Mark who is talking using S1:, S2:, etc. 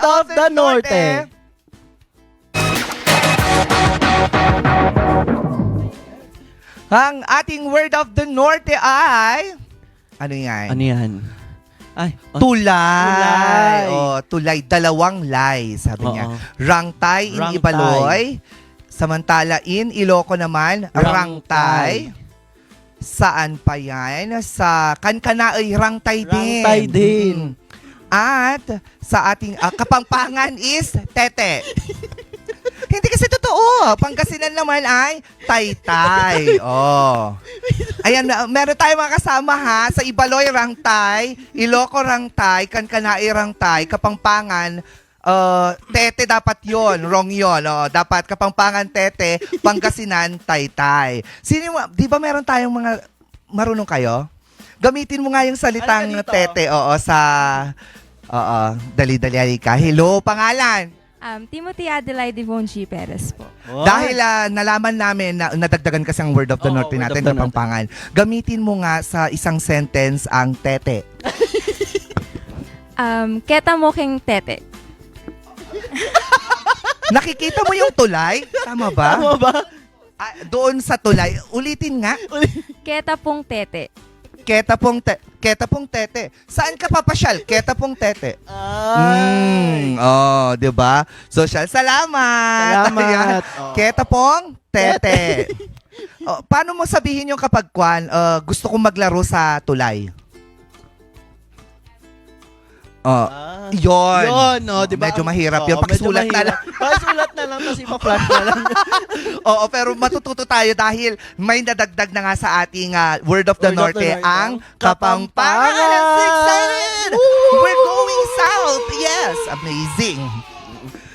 S1: of the Norte.
S2: Ang ating word of the Norte ay... Ano yan?
S1: Ano yan? Ay,
S2: Tulay.
S1: Tulay.
S2: Tulay. Dalawang lay, sabi niya.
S1: Oo.
S2: Rangtay in
S1: Rangtay.
S2: Ibaloy. Samantala in Iloco naman, Rangtay. Saan pa yan? Sa Kankanaoy, Rangtay din.
S1: Rangtay din.
S2: At sa ating Kapampangan is Tete. Hindi kasi totoo. Pangasinan naman ay Taytay. Oh. Ayan, meron tayong mga kasama ha. Sa Ibaloy, Rangtay. Iloco, Rangtay. Kankanaoy, Rangtay. Kapampangan, Tete dapat yon, wrong yon. Oh, dapat Kapampangan Tete, Pangasinan Taytay. Sino mo, 'di ba meron tayong mga marunong kayo? Gamitin mo nga yung salitang
S1: Halika dito.
S2: Tete sa dali-dali ka. Hello, pangalan.
S3: Timothy Adelaide Devon G. Perez po.
S2: Dahil nalaman namin na nadagdagan kasi ang word of the
S1: Oo,
S2: Norte
S1: word
S2: natin,
S1: of the Norte.
S2: Kapampangan. Gamitin mo nga sa isang sentence ang Tete.
S3: Keta mo king tete.
S2: Nakikita mo yung tulay? Tama ba?
S1: Tama ba?
S2: Doon sa tulay. Ulitin nga.
S3: Keta pong tete.
S2: Keta pong tete. Saan ka papasyal? Keta pong tete.
S1: Ay.
S2: 'Di ba? Social, salamat.
S1: Salamat.
S2: Ayan.
S1: Oh.
S2: Keta pong tete. Paano mo sabihin yung kapag gusto kong maglaro sa tulay? Yon.
S1: Yun, no, di ba?
S2: Medyo mahirap yun.
S1: Oo,
S2: Pakisulat
S1: medyo
S2: na
S1: mahirap. Pakisulat na lang, tapos ipa-flash na lang.
S2: Oo, pero matututo tayo dahil may nadagdag na nga sa ating Word of the
S1: Word of the
S2: Norte
S1: Norte,
S2: ang
S1: Kapampangan.
S2: Kapampangan. I'm so excited!
S1: Woo!
S2: We're going south! Yes! Amazing!